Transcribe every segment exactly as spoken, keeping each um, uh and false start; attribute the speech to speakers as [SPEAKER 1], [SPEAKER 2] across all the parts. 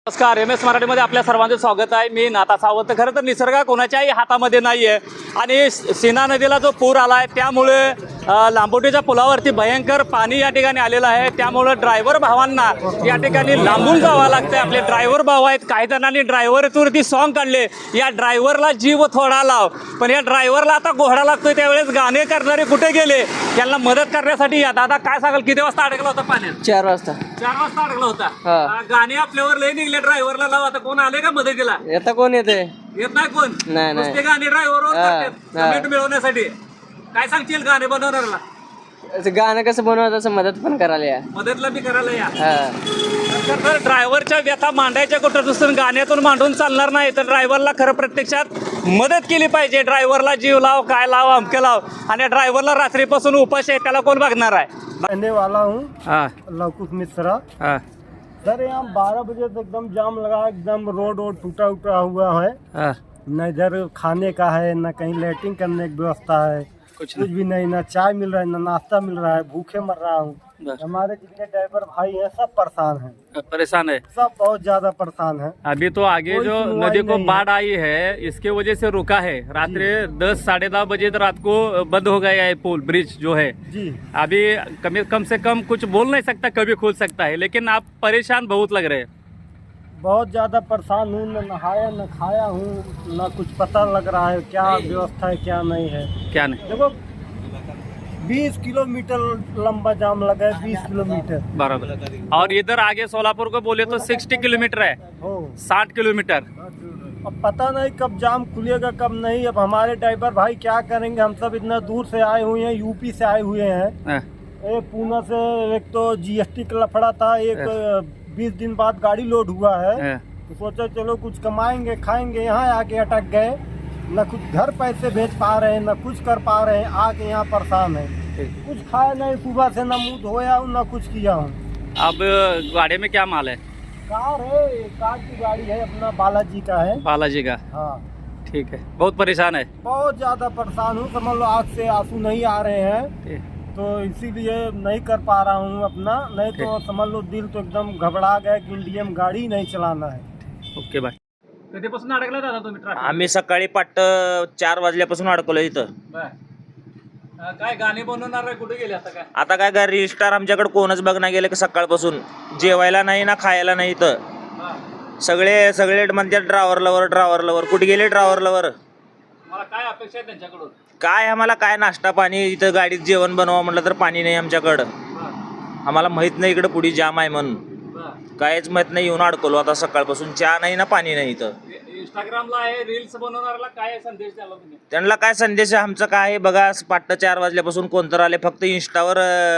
[SPEAKER 1] नमस्कार, M S मराठीमध्ये आपल्या सर्वांचं स्वागत आहे. मी नाथा सावंत. खरं तर निसर्ग कोणाच्याही हातामध्ये नाही आहे आणि सीना नदीला जो पूर आला आहे त्यामुळे लांबोटीच्या पुलावरती भयंकर पाणी या ठिकाणी आलेलं आहे. त्यामुळं ड्रायव्हर भावांना या ठिकाणी लांबून जावं लागतं. आपले ड्रायव्हर भाव आहेत, काही जणांनी ड्रायव्हरवरती सॉन्ग काढले, या ड्रायव्हरला जीव थोडा लाव. पण या ड्रायव्हरला आता घोडा लागतोय, त्यावेळेस गाणे करणारे कुठे गेले? त्यांना मदत करण्यासाठी या दादा काय सांगाल, किती वाजता अडकला होता पाण्यात?
[SPEAKER 2] चार वाजता
[SPEAKER 1] चार वाजता अडकला होता.
[SPEAKER 2] हा.
[SPEAKER 1] गाणे आपल्यावर लय निघले, ड्रायव्हरला लाव. आता कोण आले का मदतीला?
[SPEAKER 2] येता कोण येते?
[SPEAKER 1] येत नाही कोण?
[SPEAKER 2] नाही, नाही.
[SPEAKER 1] नुसते गाणे ड्रायव्हरवर
[SPEAKER 2] हा,
[SPEAKER 1] करतात
[SPEAKER 2] हा.
[SPEAKER 1] कमेंट मिळवण्यासाठी. काय सांगशील गाणे बनवणाऱ्याला?
[SPEAKER 2] असं गाणं कसं बनवायचं असं मदत पण करायला या.
[SPEAKER 1] मदतला बी करायला या.
[SPEAKER 2] हा.
[SPEAKER 1] तर ड्रायव्हरच्या व्यथा मांडायच्या कुठं दुसरं गाण्यातून मांडून चालणार नाही. तर ड्रायव्हरला खरं प्रत्यक्षात मदत केली पाहिजे. ड्रायव्हरला जीव लाव, काय लाव, अमके लाव. आणि ड्रायव्हरला रात्रीपासून उपास आहे, त्याला कोण बघणार आहे?
[SPEAKER 3] रहने वाला हूँ
[SPEAKER 1] हा
[SPEAKER 3] लवकुश मिश्रा।
[SPEAKER 1] हा
[SPEAKER 3] सर यहाँ बारह बजे से एकदम जाम लगा, एकदम रोड वोड टूटा उटा हुआ है।
[SPEAKER 1] हा
[SPEAKER 3] न इधर खाने का है, न कहीं लैट्रिन करने की व्यवस्था है,
[SPEAKER 1] कुछ
[SPEAKER 3] कुछ भी नहीं। ना चाय मिल रहा है, ना नाश्ता मिल रहा है, भूखे मर रहा हूँ।
[SPEAKER 1] बस।
[SPEAKER 3] हमारे जितने ड्राइवर भाई हैं सब परेशान हैं,
[SPEAKER 1] परेशान है।
[SPEAKER 3] सब बहुत ज्यादा परेशान हैं।
[SPEAKER 1] अभी तो आगे
[SPEAKER 3] कोई
[SPEAKER 1] जो
[SPEAKER 3] सुनवाई
[SPEAKER 1] नदी को
[SPEAKER 3] नहीं
[SPEAKER 1] बाढ़ आई है, इसके वजह से रुका है। रात्रि दस साढ़े दस बजे तो रात को बंद हो गया है पुल, ब्रिज जो है।
[SPEAKER 3] जी
[SPEAKER 1] अभी कम कम से कम कुछ बोल नहीं सकता, कभी खुल सकता है, लेकिन आप परेशान बहुत लग रहे हैं।
[SPEAKER 3] बहुत ज्यादा परेशान हूँ, न नहाया न खाया हूँ, न कुछ पता लग रहा है क्या व्यवस्था है क्या नहीं है।
[SPEAKER 1] क्या नहीं?
[SPEAKER 3] देखो बीस किलोमीटर लंबा जाम लगा है, बीस किलोमीटर।
[SPEAKER 1] बराबर। और इधर आगे सोलापुर को बोले तो साठ किलोमीटर है,
[SPEAKER 3] हो
[SPEAKER 1] साठ किलोमीटर।
[SPEAKER 3] अब पता नहीं कब जाम खुलेगा कब नहीं। अब हमारे ड्राइवर भाई क्या करेंगे? हम सब इतना दूर से आए हुए हैं, यूपी से आए हुए हैं।
[SPEAKER 1] हाँ,
[SPEAKER 3] एक पूना से एक तो जीएसटी का लफड़ा था, एक बीस दिन बाद गाड़ी लोड हुआ है।
[SPEAKER 1] हाँ।
[SPEAKER 3] तो सोचा चलो कुछ कमाएंगे खाएंगे, यहाँ आके अटक गए। न कुछ घर पैसे भेज पा रहे हैं, न कुछ कर पा रहे हैं, आके यहाँ परेशान है। कुछ खाया नहीं सुबह से, न मुँह धोया हूँ न कुछ किया हूँ।
[SPEAKER 1] अब गाड़ी में क्या माल है?
[SPEAKER 3] कार है, कार की गाड़ी है, अपना बालाजी का है।
[SPEAKER 1] बालाजी का?
[SPEAKER 3] हाँ
[SPEAKER 1] ठीक है। बहुत परेशान है?
[SPEAKER 3] बहुत ज्यादा परेशान हूँ, समझ लो आँख से आंसू नहीं आ रहे हैं।
[SPEAKER 1] ठीक।
[SPEAKER 3] तो इसीलिए नहीं कर पा रहा हूँ अपना, नहीं तो समझ लो दिल तो एकदम घबरा गया कि इंडियन गाड़ी नहीं चलाना है।
[SPEAKER 1] Okay bye. कधीपासून अडकला दादा तुम्ही ट्रॅफिक?
[SPEAKER 4] आम्ही सकाळी पाट चार वाजल्यापासून अडकलो इथं.
[SPEAKER 1] बर. अं, काय गाणी बनवणार आहे, कुठे गेले आता? काय
[SPEAKER 4] आता काय काय रजिस्टार आमच्याकडे कोणच बघणार गेले की सकाळपासून जेवायला नाही ना खायला नाही इथं.
[SPEAKER 1] हा.
[SPEAKER 4] सगळे सगळे म्हणतात ड्रायव्हर लवर ड्रायव्हर लवर. कुठे गेले ड्रायव्हर लवर?
[SPEAKER 1] मला काय अपेक्षा आहे त्यांच्याकडून?
[SPEAKER 4] काय आम्हाला काय नाश्ता पाणी, इथं गाडीत जेवण बनवा म्हटलं तर पाणी नाही आमच्याकडं.
[SPEAKER 1] बर.
[SPEAKER 4] आम्हाला माहित नाही इकडे पुढे जाम आहे म्हणून,
[SPEAKER 1] बर.
[SPEAKER 4] काहीच माहित नाही. येऊन अडकलो आता सकाळपासून. चहा नाही ना पाणी नाही इथं.
[SPEAKER 1] इंस्टाग्रामला आहे, रील्स बनवणाऱ्याला काय संदेश द्याला तुम्ही?
[SPEAKER 4] त्यांना काय संदेश आहे आमचं काय आहे बघा. पाट चार वाजल्यापासून कोणतं आले, फक्त इंस्टावर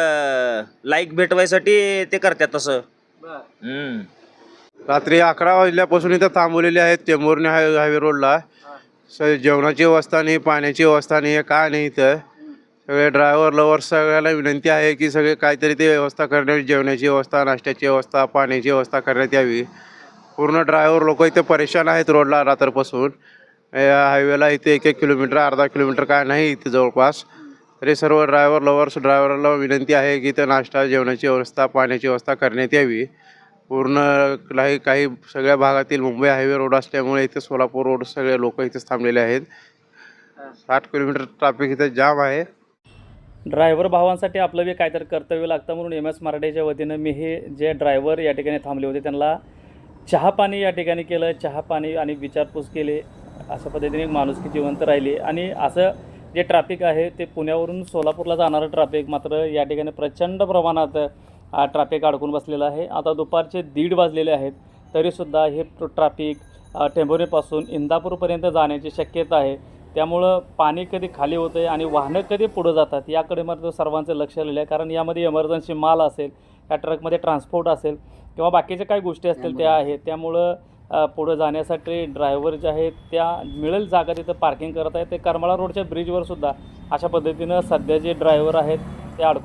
[SPEAKER 4] लाईक भेटवायसाठी ते करतात तसं.
[SPEAKER 1] बर.
[SPEAKER 4] हम्म.
[SPEAKER 5] रात्री अकरा वाजल्यापासून इथं थांबवलेले आहेत टेंभुर्णी हाय हायवे रोडला. स जेवणाची व्यवस्था नाही, पाण्याची व्यवस्था नाही, काय नाही. इथं सगळे ड्रायव्हर लवर सगळ्याला विनंती आहे की सगळे काहीतरी ते व्यवस्था करण्याची, जेवणाची व्यवस्था, नाश्त्याची व्यवस्था, पाण्याची व्यवस्था करण्यात यावी. पूर्ण ड्रायव्हर लोक इथे परेशान आहेत रोडला रात्रपासून. या हायवेला इथे एक एक किलोमीटर अर्धा किलोमीटर काय नाही इथे जवळपास. तरी सर्व ड्रायव्हर लवर्स ड्रायव्हरला विनंती आहे की इथं नाश्ता, जेवणाची व्यवस्था, पाण्याची व्यवस्था करण्यात यावी. पूर्ण काही काही सगळ्या भागातील मुंबई हायवे रोड असल्यामुळे इथे सोलापूर रोड सगळे लोक इथेच थांबलेले आहेत. साठ किलोमीटर ट्रॅफिक इथे जाम आहे.
[SPEAKER 1] ड्रायव्हर भावांसाठी आपलं बी काहीतरी कर्तव्य लागतं म्हणून एम एस मराठीच्या वतीनं मी हे जे ड्रायव्हर या ठिकाणी थांबले होते त्यांना चहा पाणी या ठिकाणी केलं. चहा पाणी आणि विचारपूस केली. अशा पद्धतीने माणुसकी जिवंत राहिली. आणि असं जे ट्रॅफिक आहे ते पुण्यावरून सोलापूरला जाणारं ट्रॅफिक मात्र या ठिकाणी प्रचंड प्रमाणात ट्रॅफिक अडकून बसलेलं आहे. आता दुपारचे दीड वाजलेले आहेत तरीसुद्धा हे ट्रॅफिक टेंभुर्णीपासून इंदापूरपर्यंत जाण्याची शक्यता आहे. त्यामुळं पाणी कधी खाली होतं आहे आणि वाहनं कधी पुढं जातात याकडे मात्र सर्वांचं लक्ष आलेलं आहे. कारण यामध्ये इमर्जन्सी माल असेल, या ट्रकमध्ये ट्रान्सपोर्ट असेल किंवा बाकीच्या काही गोष्टी असतील त्या आहेत. त्यामुळं पुढं जाण्यासाठी ड्रायव्हर जे आहेत त्या मिळेल जागा तिथं पार्किंग करत आहेत. ते करमाळा रोडच्या ब्रिजवर सुद्धा अशा पद्धतीनं सध्या जे ड्रायव्हर आहेत ते अडकून